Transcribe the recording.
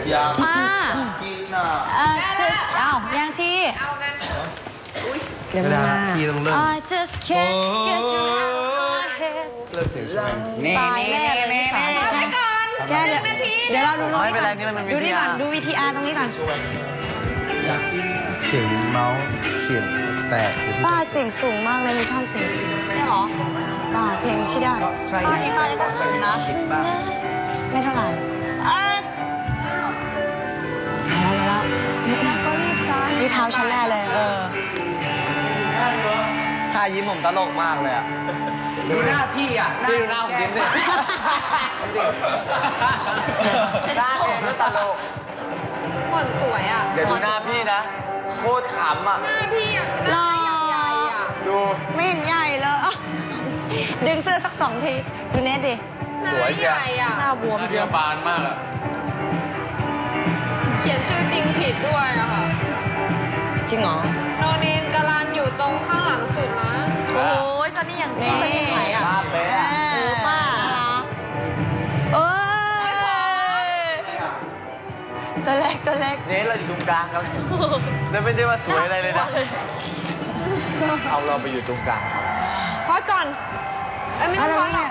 อยากป้ากินอ่ะอ้าวยังทีเอากันอุ้ยเดี๋ยวมาพี่ต้องเริ่ม I just can't get you out of my head เริ่มเสียงใช่ไหมตายแน่เลยพี่สาวไปก่อนแกเดี๋ยวนาทีเดี๋ยวเราดูตรงไม่นี้เป็นก่ไรอนนี่มันเป็นดูนี่ก่อน VTR ดู VTR ตรงนี้ก่อนเสียงเมาส์เสียงแตกป้าเสียงสูงมากเลยมีท่อนสูงสูงใช่หรอป้าเพลงที่ได้ป้าที่ป้าได้ก็สูงนะไม่เท่าไหร่มาแล้วนี่เท้าฉันแน่เลยท่ายิ้มผมตลกมากเลยอ่ะ ดูหน้าพี่อ่ะพี่ดูหน้าผมยิ้มเลยหน้าผมก็ตลกคนสวยอ่ะเดี๋ยวดูหน้าพี่นะ โคตรขำอ่ะหน้าพี่อ่ะหล่อใหญ่ๆอ่ะดูไม่เห็นใหญ่เลยดึงเสื้อสัก2 ทีดูเน็ตดิหน้าสวยเชีใหยวญ่อ่ะหน้าบวมเชียวบานมากอ่ะเขียนชื่อจริงผิดด้วยอะค่ะจริงเหรอโนเนนกาลันอยู่ตรงข้างหลังสุดนะโอ้ยตอนนี้อย่างนี่ตอนนี้ไหนอ่ะภาพเป๊ะอะป้าเอ้ยตัวเล็กตัวเล็กเน้เราอยู่ตรงกลางครับแล้วไม่ได้ว่าสวยอะไรเลยนะ เอาเราไปอยู่ตรงกลางพอดก่อน เอ้ยไม่ต้องพอดหรอก